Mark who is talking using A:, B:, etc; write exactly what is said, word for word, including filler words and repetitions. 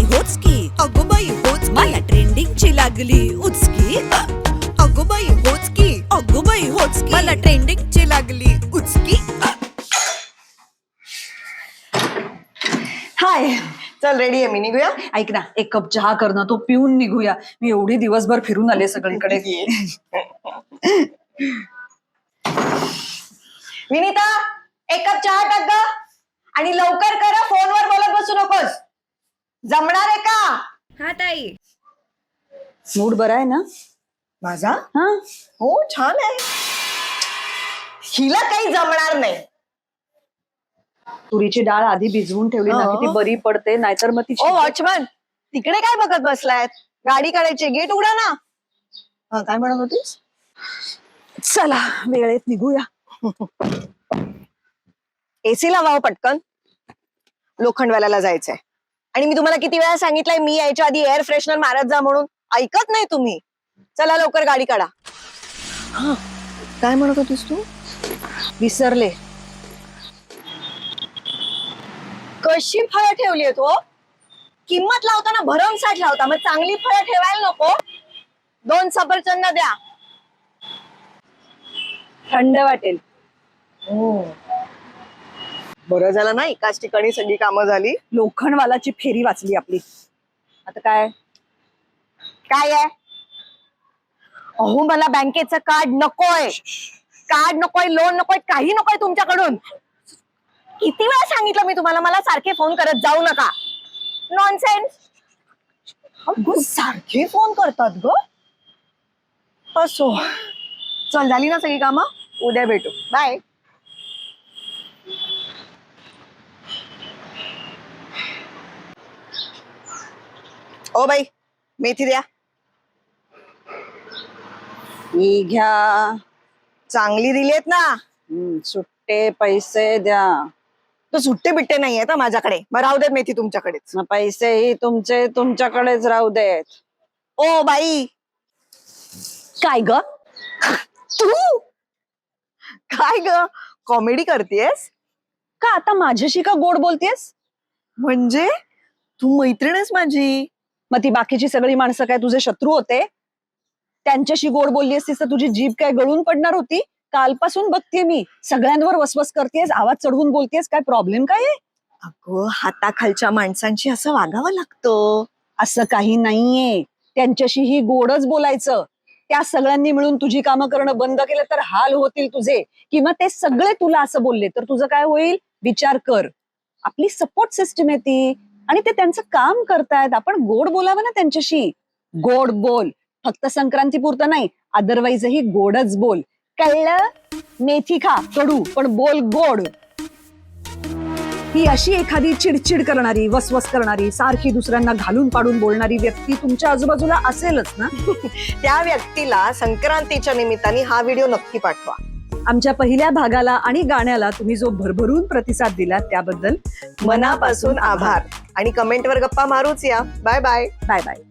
A: होच की, अगो बाई होच की, मला ट्रेंडिंगची लागली उचकी. अगो बाई होच की, अगो बाई होच की, मला ट्रेंडिंगची लागली उचकी.
B: हाय, चल रेडी आहे मी, निघूया.
C: ऐक ना, एक कप चहा कर ना, तो पिऊन निघूया. मी एवढी दिवसभर फिरून आले सगळीकडे.
B: विनीता, एक कप चहा टाक ग, आणि लवकर कर, फोनवर बोलत बसू नकोस. जमणार आहे का?
D: हा ताई.
C: मूड बरा आहे ना
B: माझा?
C: हा?
B: हो, छान आहे. हिला काही जमणार नाही.
C: तुरीची डाळ आधी भिजवून ठेवली ना की ती बरी पडते, नाहीतर मग ती
B: ओ वॉचमन, तिकडे काय बघत बसलायत? गाडी काढायची, गेट उघडा ना. हा, काय म्हणत होतीस?
C: चला वेळेत निघूया.
B: एसी लावावं पटकन, लोखंडवाल्याला जायचंय. आणि मी तुम्हाला किती वेळा सांगितलंय मी यायच्या आधी एअर फ्रेशनर मारत जा म्हणून, ऐकत नाही तुम्ही. चला लवकर गाडी काढा. हा, काय म्हणत होतीस तू?
C: विसरले.
B: कशी फळं ठेवली आहेत हो? किंमत लावताना भरमसाठ लावता, मग चांगली फळं ठेवायला नको? दोन सफरचंद द्या.
C: थंड वाटेल.
B: बरं झालं ना, एकाच ठिकाणी सगळी कामं झाली.
C: लोखंडवालाची फेरी वाचली आपली. आता काय
B: काय आहे? अहो, मला बँकेचं कार्ड नकोय. कार्ड नकोय, लोन नकोय, काही नकोय तुमच्याकडून. किती वेळा सांगितलं मी तुम्हाला, मला सारखे फोन करत जाऊ नका. नॉनसेन्स. अगं, सारखे फोन करतात ग. असो, चल, झाली ना सगळी कामं, उद्या भेटू. बाय. ओ बाई, मेथी द्या.
C: ही घ्या.
B: चांगली दिलीत ना?
C: हम्म, सुट्टे पैसे द्या.
B: तो सुट्टे बिट्टे नाहीये ना माझ्याकडे. मग राहू देत मेथी तुमच्याकडेच.
C: मग पैसेही तुमचे तुमच्याकडेच राहू देत.
B: O by. काय ग तू? काय ग, कॉमेडी करतेस
C: का आता माझ्याशी का गोड बोलतेस?
B: म्हणजे तू मैत्रीण आहेस माझी.
C: मग ती बाकीची सगळी माणसं काय तुझे शत्रू होते? त्यांच्याशी गोड बोलली असतीस तर तुझी जीभ काय गळून पडणार होती? कालपासून बघतेय मी, सगळ्यांवर वसवस करतेस, आवाज चढवून बोलतेस. काय प्रॉब्लेम काय आहे?
B: अगं, हाताखालच्या माणसांशी असं वागावं लागतं.
C: असं काही नाहीये, त्यांच्याशीही गोडच बोलायचं. त्या सगळ्यांनी मिळून तुझी कामं करणं बंद केलं तर हाल होतील तुझे, किंवा ते सगळे तुला असं बोलले तर तुझं काय होईल? विचार कर. आपली सपोर्ट सिस्टम आहे ती, आणि ते त्यांचं काम करतायत. आपण गोड बोलावं ना त्यांच्याशी. गोड बोल, फक्त संक्रांती पुरतं नाही, अदरवाईजही गोडच बोल. कळलं? मेथी खा कडू, पण बोल गोड. ही अशी एखादी चिडचिड करणारी, वसवस करणारी, सारखी दुसऱ्यांना घालून पाडून बोलणारी व्यक्ती तुमच्या आजूबाजूला असेलच ना?
B: त्या व्यक्तीला संक्रांतीच्या निमित्ताने हा व्हिडिओ नक्की पाठवा.
C: आमच्या पहिल्या भागाला आणि गाण्याला तुम्ही जो भरभरून प्रतिसाद दिलात त्याबद्दल
B: मनापासून आभार. आणि कमेंटवर गप्पा मारूच या. Bye bye.
C: Bye bye.